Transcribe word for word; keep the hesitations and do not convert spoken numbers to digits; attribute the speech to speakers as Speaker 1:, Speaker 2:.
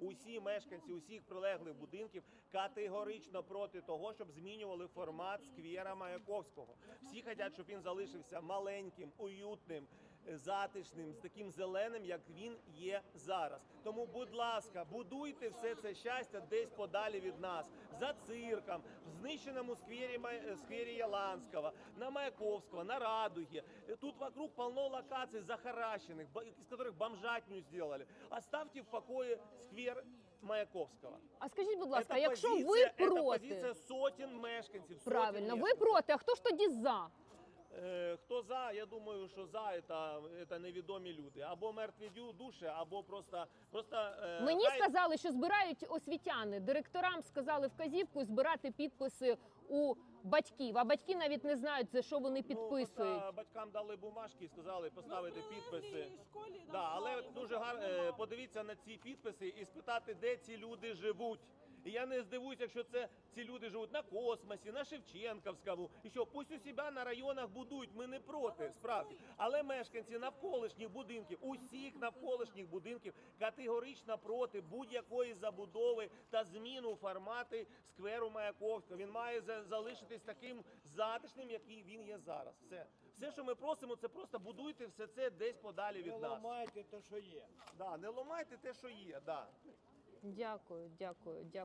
Speaker 1: Усі мешканці усіх прилеглих будинків категорично проти того, щоб змінювали формат сквера Маяковського. Всі хочуть, щоб він залишився маленьким, уютним, затишним, з таким зеленим, як він є зараз. Тому, будь ласка, будуйте все це щастя десь подалі від нас. За цирком, в знищеному сквері, сквері Яланського, на Маяковського, на Радуге. Тут вокруг полно локаций захаращенных, из которых бомжатню сделали. Оставьте в покое сквер Маяковського.
Speaker 2: А скажіть, будь ласка,
Speaker 1: Це
Speaker 2: якщо
Speaker 1: позиція,
Speaker 2: ви
Speaker 1: це
Speaker 2: проти...
Speaker 1: позиція сотень мешканців. Сотень
Speaker 2: Правильно, ви
Speaker 1: мешканців.
Speaker 2: проти, а хто ж тоді за?
Speaker 1: Е, Хто за, я думаю, що за це, це невідомі люди. Або мертві душі, або просто... просто е,
Speaker 2: Мені
Speaker 1: хай...
Speaker 2: сказали, що збирають освітяни. Директорам сказали вказівку збирати підписи у батьків. А батьки навіть не знають, за що вони підписують.
Speaker 1: Ну, батькам дали бумажки і сказали поставити підписи. Да, але дуже гарно подивіться на ці підписи і спитати, де ці люди живуть. І я не здивуюся, якщо це ці люди живуть на Космосі, на Шевченківському. І що, пусть у себе на районах будують, ми не проти, справді. Але мешканці навколишніх будинків, усіх навколишніх будинків категорично проти будь-якої забудови та зміну формати скверу Маяковського. Він має залишитись таким затишним, який він є зараз. Все. Все, що ми просимо, це просто будуйте все це десь подалі від нас.
Speaker 3: Не ламайте те, що є.
Speaker 1: Да, не ламайте те, що є, да.
Speaker 2: Дякую, дякую, дякую.